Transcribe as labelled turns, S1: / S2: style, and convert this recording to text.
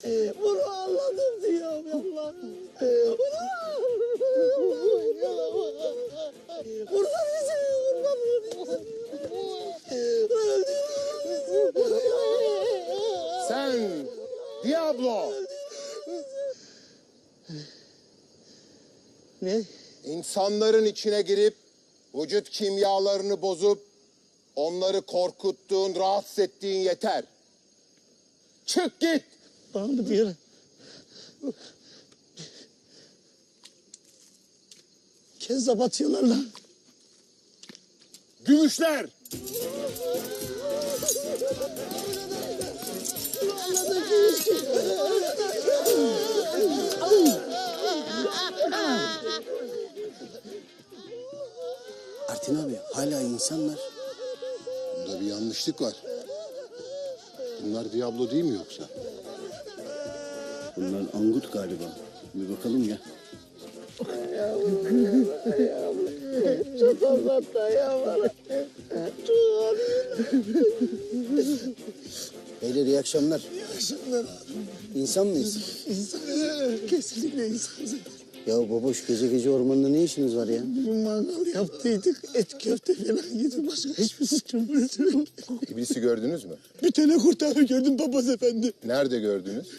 S1: Bunu anladım diyorum Allah. Kurtar bizi, kurtar bizi.
S2: Sen Diablo.
S1: Ne?
S2: İnsanların içine girip vücut kimyalarını bozup onları korkuttuğun, rahatsız ettiğin yeter. Çık git.
S1: Bana mı diyor? Kezzap atıyorlar lan.
S2: Gümüşler.
S3: Artin abi hala insanlar.
S2: Bunda bir yanlışlık var. Bunlar Diablo değil mi yoksa?
S3: Bunlar angut galiba. Bir bakalım ya.
S1: Çok anlattı ya bana. Çok anlattı.
S3: Beyler iyi akşamlar.
S1: Yaşımdan
S3: İnsan mıyız?
S1: insan. Kesinlikle insan.
S3: Ya baboş gece gece ormanda ne işiniz var ya?
S1: Bir mangal yaptıydık. Et köfte falan yedim. Başka hiçbir sıkıntı yok.
S2: İblisi gördünüz mü?
S1: Bir tane kurtarı gördüm papaz efendi.
S2: Nerede gördünüz?